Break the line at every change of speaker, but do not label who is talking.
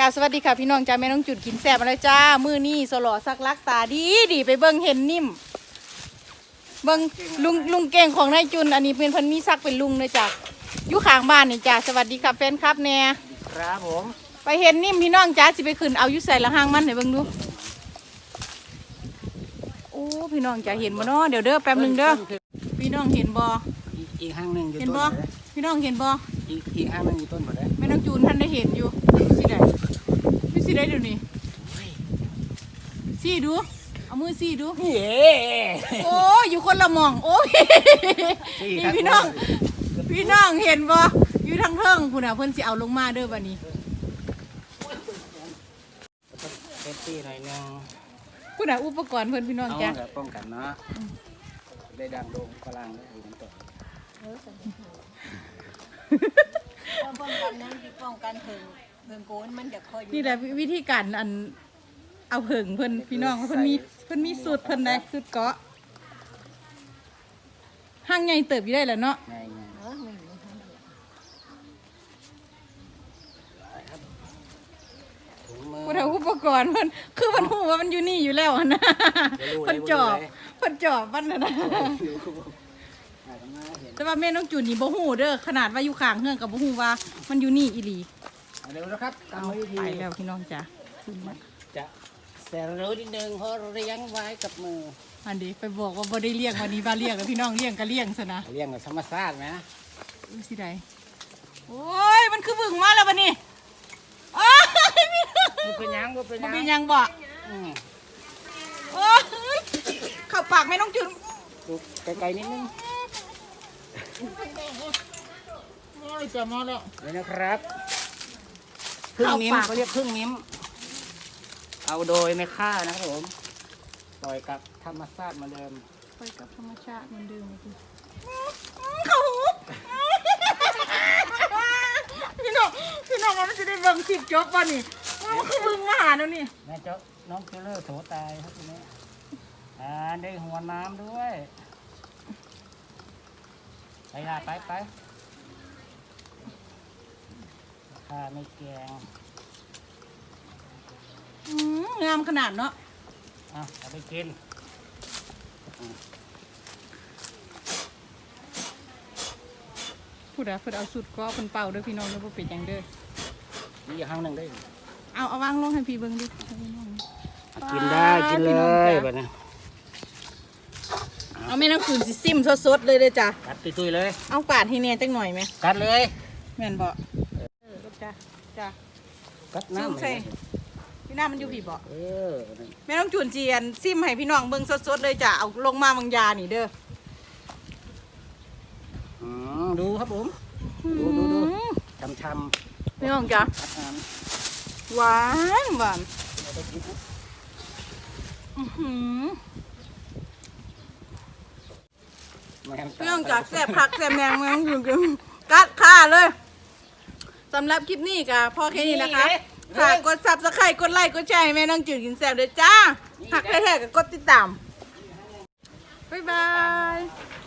จ้าสวัสดีค่ะพี่น้องจ้าแม่น้องจุดกินแซ่บมาแล้วจ้ามือนี่สลอสักลักตาดีไปเบิ้งเห็นนิ่มเบิ้งลุงเก่งของนายจุนอันนี้เป็นพันมีซักเป็นลุงเลยจ้าอยู่ข้างบ้านนี่จ้าสวัสดีค่ะแฟนครับแน่
ครับผม
ไปเห็นนิ่มพี่น้องจ้าสิไปขึ้นเอาอยู่ใส่ละห้างมันไหนเบิ้งดูโอ้พี่น้องจ้าเห็นบ่เนาะเดี๋ยวเด้อแป๊บนึงเด้อพี่น้องเห็นบ่
อีกห้างหนึ่งอยู่ต้นหมดเลย
พี่น้องเห็นบ่
อีกห้างหนึ่งอยู่ต้นหมดเลย
แม่น้องจูนท่านได้เห็นอยู่สิได้พี่สิได้เดี๋ยวนี้ซี่ดูเอามือซี่ดูโอ้อยู่คนละมองโอ้ยนี่พี่น้องเห็นบ่อยู่ทางเทิงคุณน่ะเพิ่นสิเอาลงมาเด้อบัดนี้
เซฟตี้หน่อยนึง
คุณน่ะอุปกรณ์เพิ่นพี่น้องจ้ะ
ป้องกันเนาะได้ดังโด่งพลังได้ถึงตัว
ป้องกันนั้นที่ป้องกันเถิงโกนมันจะคอยอยู่
นี่แหละวิธีการอันเอาเผิงเพิ่นพี่น้องเพิ่นมีสูตรเพิ่นได้สูตรเกาะห้างใหญ่เติบอยู่ได้แหละเนาะกูทำอุปกรณ์มันคือมันหูว่ามันอยู่นี่อยู่แล้วนะมันจอบมันนะแต่ว่าแม่น้องจูนนี่บ่หูเด้อขนาดว่าอยู่ข้างเฮือนกับบ่หูว่ามันอยู่นี่อีหลี
เร็วนะครับตามวิธี
ไปแล้วพี่น้องจ้ะ
จะแต่เร็วนิดนึงเพราะเลี้ยงไว้กับมือ
อันนี้ไปบอกว่าบ่ได้เลี้ยงวันนี้บ้าเลี้ยงแล้วพี่น้องเลี้ยงก็เลี้ยงซะนะ
เลี้ยงกับธรรมชาติไหม
สิได้โอ้ยมันคือบึ้งมาแล้วบัดนี้
เป็นยัง
บ่โอ้ยเข้าปากแม่น้องจูน
ไกลๆนิดนึง
จะมาแล้ว
นี่นะครับพึ่งมิ้มเขาเรียกพึ่งมิ้มเอาโดยไม่ฆ่านะครับผมปล่อยกับธรรมชาติเหมือนเดิม
ปล่อยกับธรรมชาติเหมือนเดิมเขาพี่น้องมันจะได้เบิ่งคลิปจบป่ะนี่มันคือบึงมาหาแล้วนี่
แม่เจ้าน้องเจเลอร์โถตายครับทีนี้ได้หัวน้ำด้วยไปละไปข้าไม่แกง
งามขนาดเนาะ
เอาไปกิน
พูดอะเพื่อเอาสุดก็เป็นเป่าด้วยพี่น้องแล้วพอเป็นยังเด้อ
นี่อย่างหนึ่งได้
เอาวางลงให้พี่เบิ้งดิ
กินได้กินเลยแบบนี้
เอาไม่ต้องขืนสิซิมสดๆเลยจ้ะ
กัดตุยๆเลย
เอาปาดให้เนียจังหน่อยไหม
กัดเลย
แม่นบ่จ้ะ
กัดน้ำ
ใส่พี่น้ามันอยู่พี่บ่แม่ต้องจุนเจียนซิมให้พี่น้องเบิ้งสดๆเลยจ้ะเอาลงมาบางยานี่เด้อ
ดูครับผมดูช้ำ
ๆพี่น้องจ้ะหวานพี่น้องจ้ะแซ่บผักแซ่บแมงแมงอยู่กันกัดข่าเลยสำหรับคลิปนี้ก็พอแค่นี้นะคะฝากกดซับสไครต์กดไลค์กดแชร์ให้แม่น้องจืดกินแซ่บเลยจ้าหักแท้ๆก็กดติดตามบ๊ายบาย